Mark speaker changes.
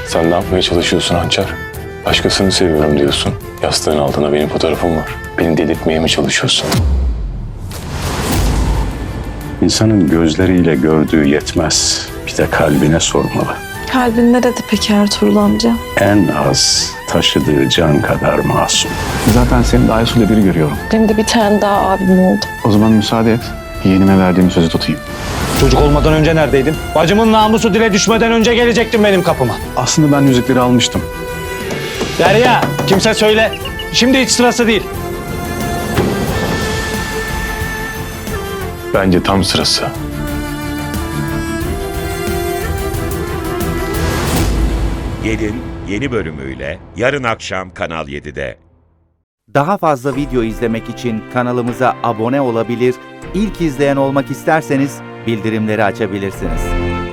Speaker 1: Sen ne yapmaya çalışıyorsun Hançer? Başkasını seviyorum diyorsun. Yastığın altına benim fotoğrafım var. Beni delirtmeye mi çalışıyorsun?
Speaker 2: İnsanın gözleriyle gördüğü yetmez. Bir de kalbine sormalı.
Speaker 3: Kalbin nerede peki Ertuğrul amca?
Speaker 2: En az taşıdığı can kadar masum.
Speaker 4: Zaten seni de Aysu'yla biri görüyorum.
Speaker 3: Benim de bir tane daha abim oldu.
Speaker 4: O zaman müsaade et. Yeğenime verdiğim sözü tutayım.
Speaker 5: Çocuk olmadan önce neredeydin? Bacımın namusu dile düşmeden önce gelecektin benim kapıma.
Speaker 4: Aslında ben yüzükleri almıştım.
Speaker 5: Derya, kimse söyle. Şimdi hiç sırası değil.
Speaker 1: Bence tam sırası.
Speaker 6: Gelin yeni bölümüyle yarın akşam Kanal 7'de.
Speaker 7: Daha fazla video izlemek için kanalımıza abone olabilir, ilk izleyen olmak isterseniz bildirimleri açabilirsiniz.